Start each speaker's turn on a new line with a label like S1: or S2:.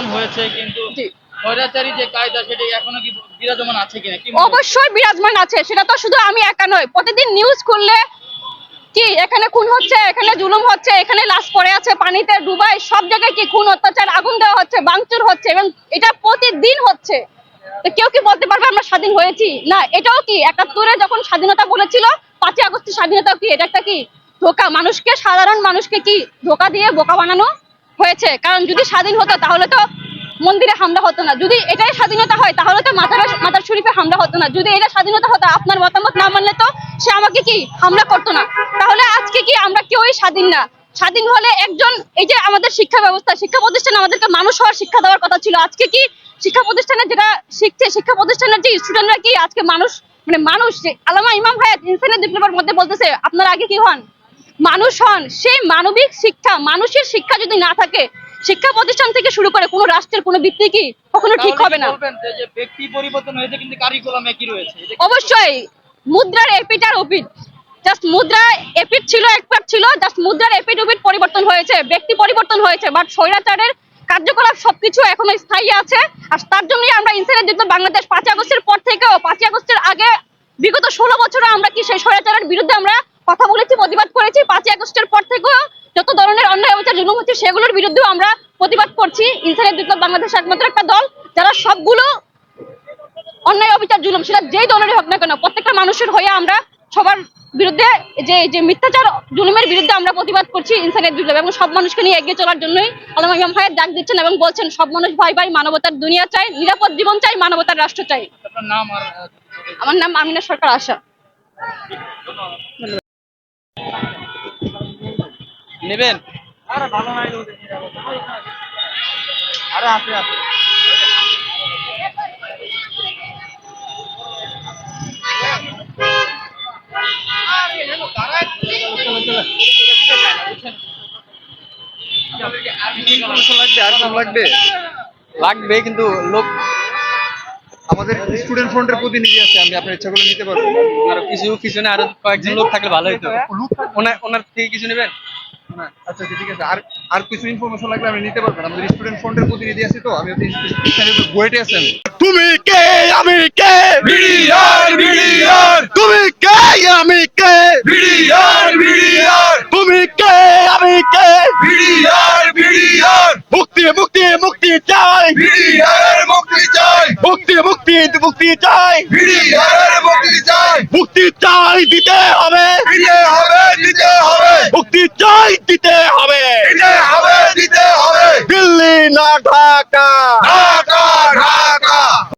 S1: হয়েছে, কিন্তু স্বৈরাচারী যে কায়দা সেটা এখনো কি বিরাজমান আছে কিনা?
S2: অবশ্যই বিরাজমান আছে, সেটা তো শুধু আমি একা নয়। প্রতিদিন নিউজ খুললে কি এখানে খুন হচ্ছে, এখানে জুলুম হচ্ছে, এখানে লাশ পড়ে আছে পানিতে ডুবাই, সব জায়গায় কি খুন অত্যাচার, আগুন দেওয়া হচ্ছে, ভাঙচুর হচ্ছে, এবং এটা প্রতিদিন হচ্ছে। তো কেউ কি বলতে পারবে আমরা স্বাধীন হয়েছি? না। এটাও কি ৭১-এ যখন স্বাধীনতা বলেছিল, ৫ই আগস্টের স্বাধীনতা কি এটা একটা কি ধোঁকা? মানুষকে, সাধারণ মানুষকে কি ধোঁকা দিয়ে বোকা বানানো হয়েছে? কারণ যদি স্বাধীন হতো তাহলে তো মন্দিরে হামলা হতো না। যদি এটাই স্বাধীনতা হয় তাহলে তো মাজার শরীফে হামলা হতো না। যদি এটা স্বাধীনতা হতো, আপনার মতামত না মানলে তো সে আমাকে কি হামলা করতো না। তাহলে আজকে কি আমরা কেউই স্বাধীন না? স্বাধীন হলে একজন, এই যে আমাদের শিক্ষা ব্যবস্থা, শিক্ষা প্রতিষ্ঠানে আমাদেরকে মানুষ হওয়ার শিক্ষা দেওয়ার কথা ছিল। আজকে কি শিক্ষা প্রতিষ্ঠানে যেটা শিখছে, শিক্ষা প্রতিষ্ঠানের যে স্টুডেন্টরা কি আজকে মানুষ, মানে মানুষ, আল্লামা ইমাম হায়াত ইনসানিয়ত বিপ্লবের মধ্যে বলতেছে আপনারা আগে কি হন, মানুষ হন। সেই মানবিক শিক্ষা, মানুষের শিক্ষা যদি না থাকে, শিক্ষা প্রতিষ্ঠান থেকে শুরু করে কোনো রাষ্ট্রের কোনো ভিত্তি কি কখনো ঠিক হবে না।
S1: যে ব্যক্তি পরিবর্তন হয়েছে কিন্তু কারিকুলাম একই রয়েছে।
S2: অবশ্যই মুদ্রার এপিট আর ওপিট, জাস্ট মুদ্রা এপিট ছিল, একপাট ছিল, জাস্ট মুদ্রার এপিট ওপিট পরিবর্তন হয়েছে, ব্যক্তি পরিবর্তন হয়েছে, বাট স্বৈরাচারের কার্যকলাপ সবকিছু এখনো স্থায়ী আছে। আর তার জন্যই আমরা ইনসানিয়ত বিপ্লব বাংলাদেশ ৫ই আগস্টের পর থেকেও, ৫ই আগস্টের আগে বিগত ১৬ বছরে আমরা কি সেই স্বৈরাচারের বিরুদ্ধে আমরা কথা বলেছি, প্রতিবাদ করেছি। ৫ই আগস্টের পর থেকেও যত ধরনের অন্যায় অবিচার জুলুম হচ্ছে সেগুলোর বিরুদ্ধেও আমরা প্রতিবাদ করছি। ইনসানিয়ত বিপ্লব বাংলাদেশ একমাত্র একটা দল যারা সবগুলো অন্যায় অবিচার জুলুম, সেটা যেই দলেরই হোক না কেন, প্রত্যেকটা মানুষের হয়ে আমরা সবার বিরুদ্ধে, যে মিথ্যাচার জুলুমের বিরুদ্ধে আমরা প্রতিবাদ করছি ইনসানিয়ত বিপ্লব, এবং সব মানুষকে নিয়ে এগিয়ে চলার জন্যই আল্লামা ইমাম হায়াত ডাক দিচ্ছেন এবং বলছেন সব মানুষ ভাই ভাই, মানবতার দুনিয়া চাই, নিরাপদ জীবন চাই, মানবতার রাষ্ট্র চাই।
S1: আপনার নাম আর
S2: আমার নাম আমিনা সরকার আশা।
S1: নেবেন? আরে ভালো নাই তো, আরে আছে আছে।
S3: লাগবে কিন্তু লোক আমাদের স্টুডেন্ট ফ্রন্টের প্রতিনিধি আছে, আমি আপনার ইচ্ছা করলে নিতে পারবো।
S4: আরো কিছু পিছনে আরো কয়েকজন লোক থাকলে ভালো হতো। ওনার থেকে কিছু নেবেন?
S3: আচ্ছা ঠিক আছে। আর আর কিছু ইনফরমেশন লাগলে আমি নিতে পারবেন। আমাদের স্টুডেন্ট ফ্রন্টের প্রতিনিধি আছে, তো আমি বুয়েটে আছেন।
S5: তুমি কে আমি কে,
S6: বিডিআর বিডিআর
S5: তুমি কে আমি কে,
S6: বিডিআর বিডিআর
S5: তুমি কে আমি কে,
S6: বিডিআর বিডিআর
S5: মুক্তি মুক্তি মুক্তি চাই,
S6: বিডিআর মুক্তি চাই,
S5: মুক্তি মুক্তি মুক্তি চাই,
S6: বিডিআর মুক্তি চাই,
S5: মুক্তি চাই দিতে হবে,
S6: দিতে হবে দিতে হবে,
S5: মুক্তি চাই দিতে হবে,
S6: দিতে হবে দিতে হবে,
S5: দিল্লি না ঢাকা,
S6: ঢাকা